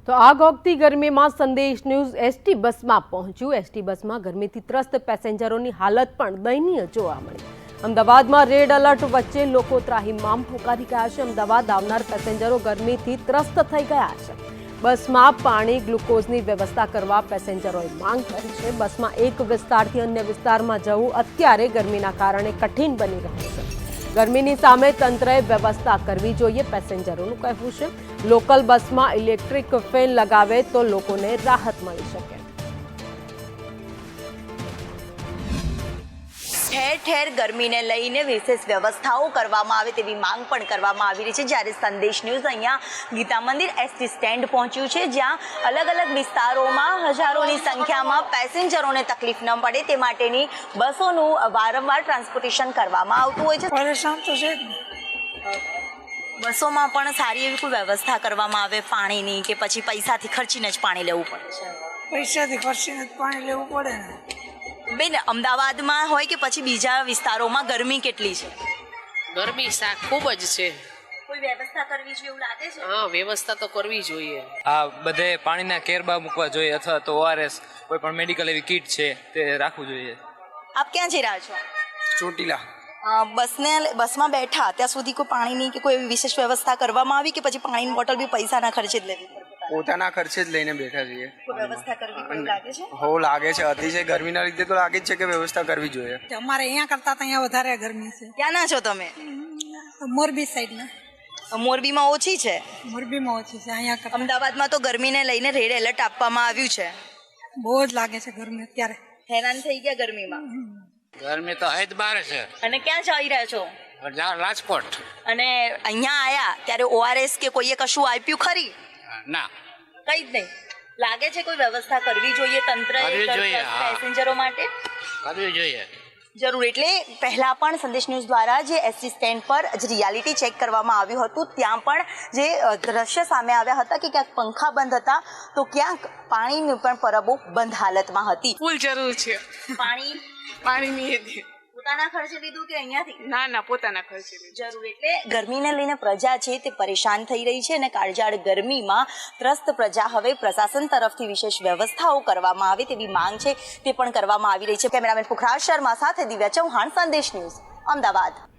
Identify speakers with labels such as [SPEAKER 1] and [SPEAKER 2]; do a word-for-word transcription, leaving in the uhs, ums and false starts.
[SPEAKER 1] તો આગ ઓગતી ગરમીમાં સંદેશ ન્યૂઝ એસટી બસમાં પહોંચ્યું। એસટી બસમાં ગરમીથી ત્રસ્ત પેસેન્જરોની હાલત પણ દયનીય જોવા મળી। અમદાવાદમાં રેડ એલર્ટ વચ્ચે લોકો ત્રાહિમામ પોકારી ગયા છે। અમદાવાદ આવનાર પેસેન્જરો ગરમીથી ત્રસ્ત થઈ ગયા છે। બસમાં પાણી ગ્લુકોઝની વ્યવસ્થા કરવા પેસેન્જરોએ માંગ કરી છે। બસમાં એક વિસ્તારથી અન્ય વિસ્તારમાં જવું અત્યારે ગરમીના કારણે કઠિન બની રહ્યું છે। ગરમીની સામે તંત્રએ વ્યવસ્થા કરવી જોઈએ પેસેન્જરોનું કહેવું છે। લોકલ બસમાં ઇલેક્ટ્રિક ફેન લગાવે તો લોકોને રાહત મળી શકે।
[SPEAKER 2] ઠેર ઠેર ગરમીને લઈને વિશેષ વ્યવસ્થાઓ કરવામાં આવે તેવી માંગ પણ કરવામાં આવી રહી છે। જ્યારે સંદેશ ન્યૂઝ અહીંયા ગીતા મંદિર એસટી સ્ટેન્ડ પહોંચ્યું છે, જ્યાં અલગ અલગ વિસ્તારોમાં હજારોની સંખ્યામાં પેસેન્જરોને તકલીફ ન પડે તે માટેની બસોનું વારંવાર ટ્રાન્સપોર્ટેશન કરવામાં આવતું હોય છે।
[SPEAKER 3] પરેશાન તો છે
[SPEAKER 2] બસોમાં પણ સારી એવી કોઈ વ્યવસ્થા કરવામાં આવે પાણીની, કે પછી પૈસાથી ખર્ચીને જ પાણી લેવું પડે છે?
[SPEAKER 3] પૈસાથી ખર્ચીને જ પાણી લેવું પડે ને
[SPEAKER 2] બેન, અમદાવાદમાં હોય કે પછી બીજા વિસ્તારોમાં ગરમી કેટલી છે?
[SPEAKER 4] ગરમી સા ખૂબ જ છે।
[SPEAKER 2] કોઈ વ્યવસ્થા કરવી જોઈએ એવું લાગે છે?
[SPEAKER 4] હા, વ્યવસ્થા તો કરવી જોઈએ।
[SPEAKER 5] આ બધે પાણીના કેરબા મૂકવા જોઈએ, અથવા તો ઓઆરએસ કોઈ પણ મેડિકલ એવી કીટ છે તે રાખવું જોઈએ।
[SPEAKER 2] આપ ક્યાં જઈ રહ્યા છો?
[SPEAKER 5] ચોટીલા
[SPEAKER 2] બસને બસમાં બેઠા ત્યાં સુધી કોઈ પાણીની કે કોઈ એવી વિશેષ વ્યવસ્થા કરવામાં આવી, કે પછી પાણીની બોટલ બી પૈસાના ખર્ચે જ લેવી પડે?
[SPEAKER 5] પોતાના ખર્ચે જ લઈને બેઠા છીએ।
[SPEAKER 2] કોઈ વ્યવસ્થા કરવી પડે લાગે છે?
[SPEAKER 5] હો લાગે છે, અતિશય ગરમીના લીધે તો લાગે જ છે કે વ્યવસ્થા કરવી જોઈએ।
[SPEAKER 3] અમારે અહીંયા કરતા તો અહીંયા વધારે ગરમી છે।
[SPEAKER 2] ક્યાં ના છો તમે?
[SPEAKER 3] મોરબી સાઈડના।
[SPEAKER 2] મોરબીમાં ઓછી છે,
[SPEAKER 3] મોરબીમાં ઓછી છે, અહીંયા કરતા
[SPEAKER 2] અમદાવાદમાં તો ગરમીને લઈને રેડ એલર્ટ આપવામાં આવ્યું છે।
[SPEAKER 3] બહુ જ લાગે છે ગરમી અત્યારે।
[SPEAKER 2] હેરાન થઈ ગયા ગરમીમાં?
[SPEAKER 6] ગરમી તો હદ બાર છે।
[SPEAKER 2] અને ક્યાં જઈ રહ્યા છો?
[SPEAKER 6] રાજકોટ।
[SPEAKER 2] અને અહીંયા આયા ત્યારે ઓઆરએસ કે કોઈએ કશું આપ્યું ખરી?
[SPEAKER 6] ના,
[SPEAKER 2] કઈ જ નહીં। લાગે છે કોઈ વ્યવસ્થા કરવી જોઈએ તંત્રએ
[SPEAKER 6] કરવી જોઈએ, હા।
[SPEAKER 2] પેસેન્જરો માટે
[SPEAKER 6] કરવી જોઈએ
[SPEAKER 2] જરૂર। એટલે પહેલા પણ સંદેશ ન્યૂઝ દ્વારા જે એસટી સ્ટેન્ડ પર જે રિયાલિટી ચેક કરવામાં આવ્યું હતું, ત્યાં પણ જે દ્રશ્ય સામે આવ્યા હતા કે ક્યાંક પંખા બંધ હતા તો ક્યાંક પાણીની પણ પરબો બંધ હાલતમાં હતી।
[SPEAKER 4] ફૂલ જરૂર છે
[SPEAKER 2] પાણી
[SPEAKER 4] પાણીની।
[SPEAKER 2] પોતાના ખર્ચે લીધું કે અહીંયાથી?
[SPEAKER 4] ના ના, પોતાના ખર્ચે લીધું।
[SPEAKER 2] જરૂર। એટલે ગરમીને લઈને પ્રજા છે તે પરેશાન થઈ રહી છે, અને કાળઝાળ ગરમીમાં ત્રસ્ત પ્રજા હવે પ્રશાસન તરફથી વિશેષ વ્યવસ્થાઓ કરવામાં આવે તેવી માંગ છે તે પણ કરવામાં આવી રહી છે। કેમેરામેન પુખરાજ શર્મા સાથે દિવ્યા ચૌહાણ, સંદેશ ન્યૂઝ, અમદાવાદ।